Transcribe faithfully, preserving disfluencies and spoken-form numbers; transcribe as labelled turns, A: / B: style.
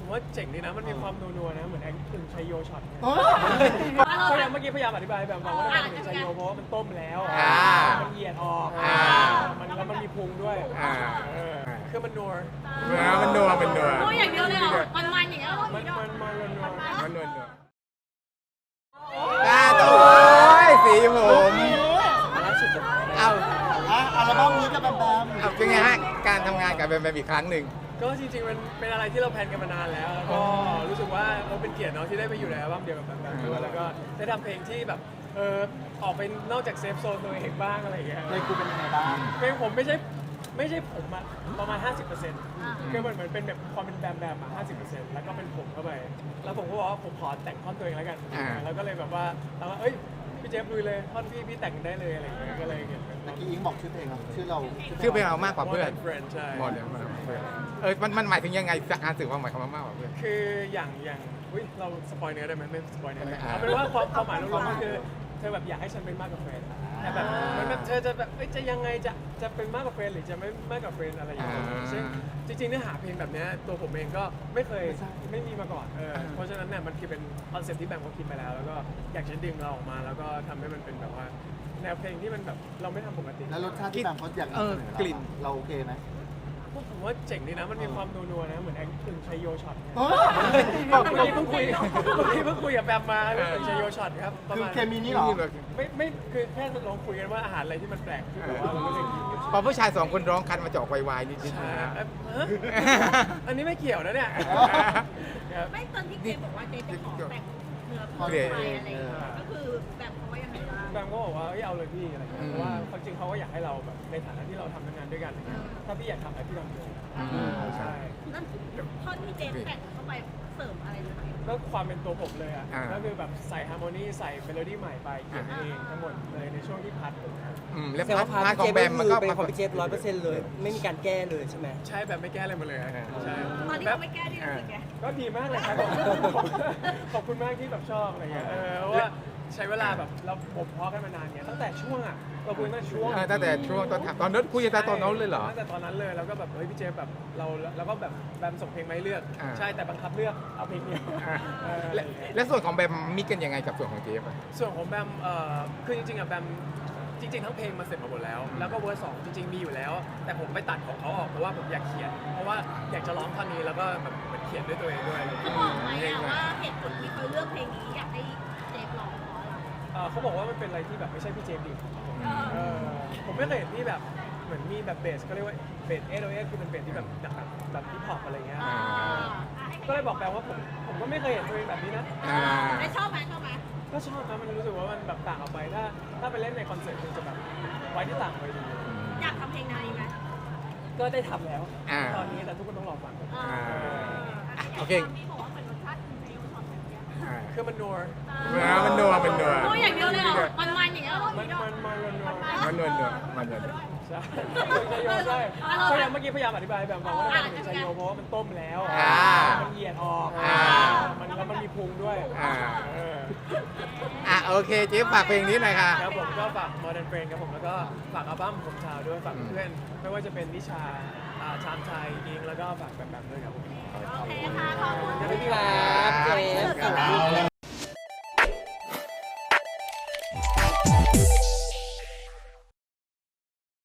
A: ว่าเจ๋งดีนะมันมีความนัวๆนะเหมือนแองกึ่งชัยโยช็อต
B: โอ้
A: พยายามเมื่อกี้พยายามอธิบายแบบว่ามันเป็นชัยโยเพราะว่ามันต้มแล้วมันเหยียดออกมันแล้วมันมีพุงด้วยคือมันนัว
C: มันนัวมันนัว
D: นัวอย่างเดียวเลยเหรอมันมันอย่างเงี้ย
A: มันมันมันนัว
C: มันนัวนัวตาโต้ยสีผมเอา
B: อะอัลบั้มนี้กับแบมแบม
C: เอาเป็นไงฮะการทำงานกับแบมแบมอีกครั้งหนึ่ง
A: ก็จริงๆมันเป็นอะไรที่เราแพลนกันมานานแล้วแล้วก็รู้สึกว่าเราเป็นเกียรติเนาะที่ได้ไปอยู่ในอัลบั้มเดียวกับแบบด้วยแล้วก็ได้ทำเพลงที่แบบเออออกไปนอกจากเซฟโซนตัวเองบ้างอะไรอย่างเงี้ย
B: ในกูเป็นยังไงบ้าง
A: เพลงผมไม่ใช่ไม่ใช่ผมอะประมาณ ห้าสิบเปอร์เซ็นต์ คือเหมือนเหมือนเป็นแบบความเป็นแบมแบมอะห้าสิบเปอร์เซ็นต์แล้วก็เป็นผมเข้าไปแล้วผมก็บอกว่าผมขอแต่งท่อนตัวเองแล้วกันแล้วก็เลยแบบว่าเราว่าเอ้ยพี่เจฟลุยเลยท่อนพี่พี่แต่งได้เลยอะไรอย่างเงี้ยก็เลยเขียนเป็น
B: เมื่อกี้อิงบอกชื่อเพลงครับชื่อเรา
C: ชื่อเพลงเรามากกว่าเพื่อน
A: เฟรนด์ใช่
C: หมดเลยมากกว่าเพื่อนเออมันมันหมายถึงยังไงจากการสื่อความหมายคำว่ามากกว่าเพื่อน
A: คืออย่างอย่างอุ้ยเราสปอยเนื้อได้ไหมไม่สปอยเนื้อได้
C: อ่า
A: เอาเป็นว่าความความหมายรวมๆก็คือเธอแบบอยากให้ฉันเป็นมากกว่าเฟรนด์แต่แบบเหมันแบบเธอจะแบบเอ้ยจะยังไงจะจะเป็นมากกว่าเฟรนด์หรือจะไม่มากกว่าเฟรนด์อะไรอย่างเงี้ยซึ่งจริงๆเนื้อหาเพลงแบบเนี้ยตัวผมเองก็ไม่เคยไม่มีมาก่อนเออเพราะฉะนั้นเนี่ยมันคือเป็นคอนเซ็ปต์ที่แบงค์เขาคิดไปแล้วแล้วก็อยากจะดึงเราออกมาแล้วก็ทำให้มันเป็นแบบว่าแนวเพลงที่มันแบบเราไม่ทำปกติ
B: แล้วรสชาติที่แบมเขาอยากนำเสนอเราเราโอเคไหม
A: ผมว่าเจ๋งดีนะมันมีความนัวๆนะเหมือนแองกึ่งชัยโยช็อต
B: โอ้
A: เมื่อกี้เพิ่งคุยเมื่อกี้เพิ่งคุยกับแบมมาเป็นชัยโยช็อตครับประ
B: คือ
A: มาณ
B: เคมีนี้เหรอ
A: ไม่ไม่คือแค่ลองคุยกันว่าอาหารอะไรที่มันแปลกที่แบบว่าเราไม่เคยกิน
C: พอผู้ชายสองคนร้องคันมาจะออกวายๆนิดๆ
A: ใช่
C: นะ
A: เอ้ยฮะอันนี้ไม่เกี่ยวนะเนี่ยครับ
D: ไม่ตอนที่เจบอกว่าเจจะขอแต่งเนื้อเพลงอะไรอย่างเงี้ยก็คือแบบเขาว่ายังไงบ้าง
A: แบมก็บอกว่าเอ้ยเอาเลยพี่อะไรเงี้ยเพราะว่าความจริงเขาก็อยากให้เราแบบในฐานะที่เราทำงานด้วยกันอะไรเงี้ยถ้าพี่อยากทำอะไรพี่ทำเลยใช่
D: นั่นท่อนที่เจแต่งเข้าไปเสริมอะไรหรือเปล่า
A: ก็ความเป็นตัวผมเลยอ่ะ
C: อ่า
A: ก็คือแบบใส่ฮาร์โมนีใส่เมโลดี้ใหม่ไปเขียนเองทั้งหมดเลยในช่วงที่พัดผมนะ
C: อืมแล้ว
E: แต่
C: พา
E: ว่า
C: ร์ท
E: พาร์ท
C: พาร์ทของแบมมันก็
E: เป็นของพี่เจฟร้อยเปอร์เซ็นต์เลย ไม่มีการแก้เลยใช่ไหม
A: ใช่แบบไม่แก้อะไรมาเลยอะใช่
D: ตอนที่
A: แบ
D: เขา
A: บ
D: ไม่แก้ที่รู้สึกไง
A: ก็ดีมากเลยครับขอบคุณมากที่แบบชอบอะไรเงี้ยเออเพราะว่าใช้เวลาแบบเราบ่มเพาะกันมานานเนี่ยตั้งแต่ช่วงอ่ะเราคุยตั้งแต่ช่วง
C: เออตั้งแต่ช่วงตอนทำตอนนั้นคุยกันแต่ตอนนั้นเลยเหรอ
A: ตั้งแต่ตอนนั้นเลยแล้วก็แบบเฮ้ยพี่เจแบบเราแล้วก็แบบแบมส่งเพลงมาให้เลือก
C: อ่า
A: ใช่แต่บังคับเลือกเอาเพลงเดียว
C: อ่ะ
A: เออ
C: และและส่วนของแบมมิกกันยังไงกับส่วนของเจฟอะ
A: ส่วนของแบมเอ่อคือจริงๆอ่ะแบมจริงๆทั้งเพลงมาเสร็จมาหมดแล้ว แล้วก็เวอร์สองจริงๆมีอยู่แล้ว แต่ผมไปตัดของเขาออกเพราะว่าผมอยากเขียน เพราะว่าอยากจะร้องท่อนนี้แล้วก็แบบเหมันเขียนด้วยตัวเองด้วยอะไรอย่าง
D: เขา
A: เงี้ย
D: บอกไหมอะว่าเหตุผลที่เขาเลือกเพลงนี้อยากให้เจฟร้องเพราะอะไร
A: เอ่อเขาบอกว่ามันเป็นอะไรที่แบบไม่ใช่พี่เจมส์ดิเออผมไม่เคยเห็นที่แบบเหมือนมีแบบเบสเขาเรียกว่าเบสเอโอเอคือเป็นเบสที่แบบแบบแบบฮิปฮอปอะไรเงี้ย
D: อ่า
A: ก็เลยบอกแบมว่าผมผมก็ไม่เคยเห็นตัวเองแบบนี้นะ
C: อ่า
D: ได้ชอบไหมชอบไหม
A: ก็ชอบนะมันรู้สึกว่ามันแบบต่างออกไปถ้าถ้าไปเล่นในคอนเสิร์ตคงจะแบบไว้ที่ต่างไปดี
D: อยากทำเพลงแนวนี้ไหม
A: ก็ได้ทำแล้ว
C: อ่า
A: ตอนนี้แต่ทุกคนต้องรอฟัง
D: อ่า
C: โอเค
D: ที่บอกว่าเป็นรสชาติคุณเจฟชอบแบบเนี้ย
C: อ่า
A: คือมันนัว
C: มันนัวมันนัว
D: นัวอย่างเดียวเลยเหรอมันมันอย่างเงี้ยเหรอ
A: มันมันมันนัว
C: มันนัวนัวมันนัว
A: ใช่ชัยโยใช่พยายามเมื่อกี้พยายามอธิบายแบบว่ามันเป็นชัยโยเพราะว่ามันต้มแล้วมันเหยียดออกมันแล้วมันมีพุงด้วย
C: อ่า
A: เออ
C: อ่ะโอเคเจฟฝากเพลงนี้หน่อยค่ะ
A: ครับผมก็ฝาก Modern Friend ครับผมแล้วก็ฝากอัลบั้มผมชาวด้วยฝากเพื่อนไม่ว่าจะเป็นนิชาอ่าชามชัยอิงแล้วก็ฝากแบบแบบด้วยครับผม
D: โอเคค่ะขอบคุณ
A: ขอบคุณ
E: ครับเจฟ